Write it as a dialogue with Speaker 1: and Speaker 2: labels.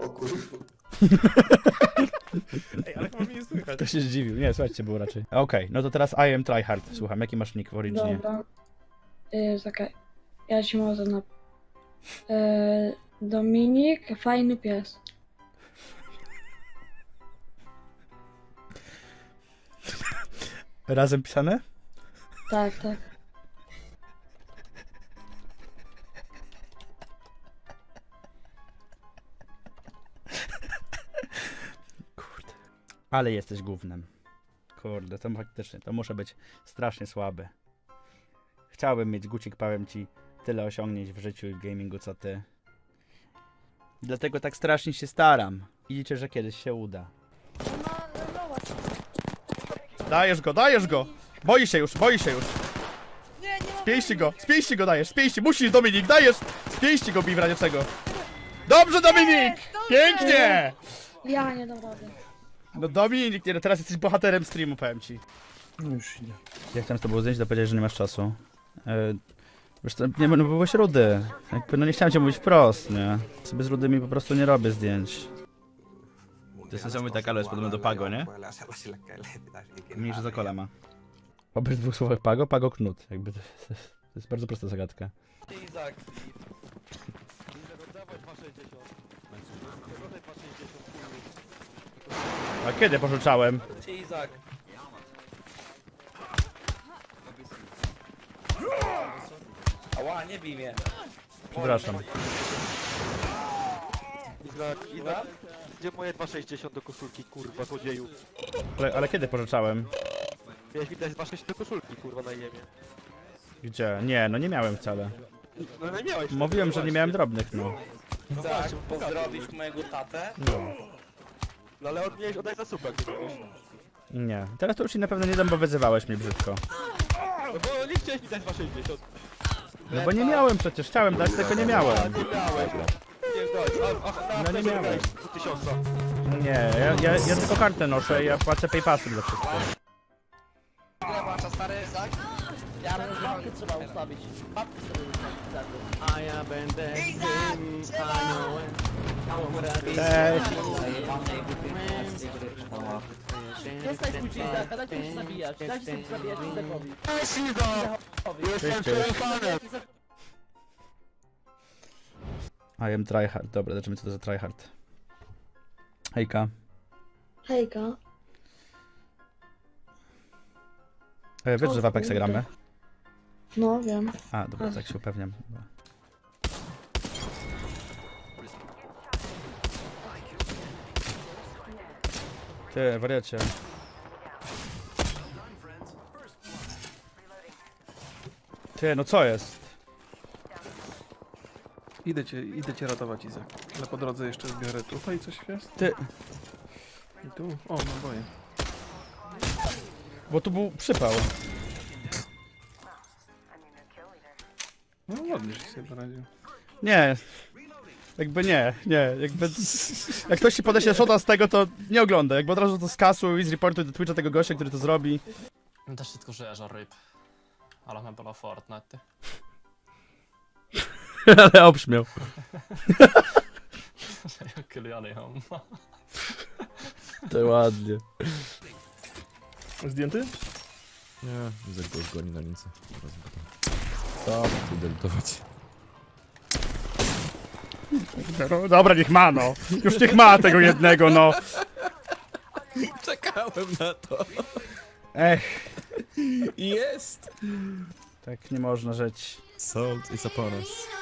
Speaker 1: O kurwa.
Speaker 2: Ej, ale chyba mnie nie słychać.
Speaker 3: To się zdziwił. Nie, słuchajcie, było raczej. Okej, no to teraz I am tryhard. Słucham, jaki masz nick w Originie?
Speaker 4: Dobra. Czekaj. Ja ci może na... Dominik, fajny pies.
Speaker 3: Razem pisane?
Speaker 4: Tak, tak.
Speaker 3: Kurde. Ale jesteś gównem. Kurde, to faktycznie, to muszę być strasznie słaby. Chciałbym mieć, Gucik, powiem ci, tyle osiągnięć w życiu i w gamingu, co ty. Dlatego tak strasznie się staram. I liczę, że kiedyś się uda. Dajesz go, dajesz go! Boi się już, boi się już. Z pięści go dajesz, z pięści, musisz, Dominik, dajesz! Z pięści go bij w razie czego. Dobrze, Dominik! Pięknie!
Speaker 4: Ja nie dam rady.
Speaker 3: No Dominik, nie, no teraz jesteś bohaterem streamu, powiem ci.
Speaker 2: No już idę.
Speaker 3: Jak chciałem z tobą zdjęć, to powiedziałeś, że nie masz czasu. Wiesz co, nie, no byłeś rudy. Jakby, no nie chciałem cię mówić wprost, nie? Sobie z rudymi po prostu nie robię zdjęć. To jest niesamowite, ale jest podobno do Pago, nie? Mniejszy za kole ma. Po dwóch słowach Pago, Pago Knut. Jakby to jest bardzo prosta zagadka.
Speaker 5: Izak.
Speaker 3: A kiedy pożyczałem?
Speaker 5: Izak. Ała, nie bij mnie.
Speaker 3: Przepraszam.
Speaker 6: Izak, gdzie moje 2,60 do koszulki, kurwa, złodzieju?
Speaker 3: Ale kiedy pożyczałem?
Speaker 6: Miałeś mi dać 2,60 do koszulki, kurwa, na jemie.
Speaker 3: Gdzie? Nie, no nie miałem wcale.
Speaker 6: No nie miałeś.
Speaker 3: Mówiłem, że nie miałem drobnych, no.
Speaker 5: Izak, pozdrowisz mojego tatę?
Speaker 6: No ale miałeś oddać za słupek, nie miałeś.
Speaker 3: Nie. Teraz to już ci na pewno nie dam, bo wyzywałeś mnie brzydko.
Speaker 6: No bo nie chciałeś mi dać 2,60.
Speaker 3: No bo nie miałem przecież, chciałem dać, tylko nie miałem.
Speaker 6: Nie miałeś. Nie dać,
Speaker 3: No nie miałem.
Speaker 6: 1000.
Speaker 3: Nie, ja tylko kartę noszę i ja płacę PayPasem za wszystko.
Speaker 5: Ile masz, stary Izak?
Speaker 7: Ja bym babkę trzeba ustawić. Babkę sobie ustawić.
Speaker 6: A ja będę
Speaker 3: Cześć!
Speaker 7: Przestań kłócić, tak, dajcie mi się zabijać. Dajcie sobie zabijać Izakowi.
Speaker 6: Jestem przefanem.
Speaker 3: I am tryhard. Dobra, zobaczymy co to za tryhard. Hejka.
Speaker 4: Hejka.
Speaker 3: Wiesz, że w Apexa gramy?
Speaker 4: No, wiem.
Speaker 3: A, dobra, tak się upewniam. Dobra. Ty, wariacie. Ty, no co jest?
Speaker 2: Idę cię ratować, Izak. Ale po drodze jeszcze zbiorę tutaj coś jest.
Speaker 3: Ty,
Speaker 2: I tu. O, no boję.
Speaker 3: bo tu był przypał.
Speaker 2: No ładnie, że sobie poradził.
Speaker 3: Nie. Jakby nie, jakby... Jak ktoś ci podeśle shota z tego, to nie ogląda. Jakby od razu to skasuj i zreportuj do Twitcha tego gościa, który to zrobi.
Speaker 8: Tässä sit kun se on rip. Aloin pelaa Fortnite.
Speaker 3: Ale obśmiał.
Speaker 8: Se ei oo kyllä Jani homma.
Speaker 3: To ładnie.
Speaker 2: Zdjęty?
Speaker 9: Nie, Izak go zgoni na lince.
Speaker 3: Dobra.
Speaker 9: Tu deltować.
Speaker 3: No, dobra, niech ma, no. Już niech ma tego jednego, no.
Speaker 9: Czekałem na to.
Speaker 3: Ech,
Speaker 9: Jest!
Speaker 3: tak nie można żyć.
Speaker 9: Salt is upon us.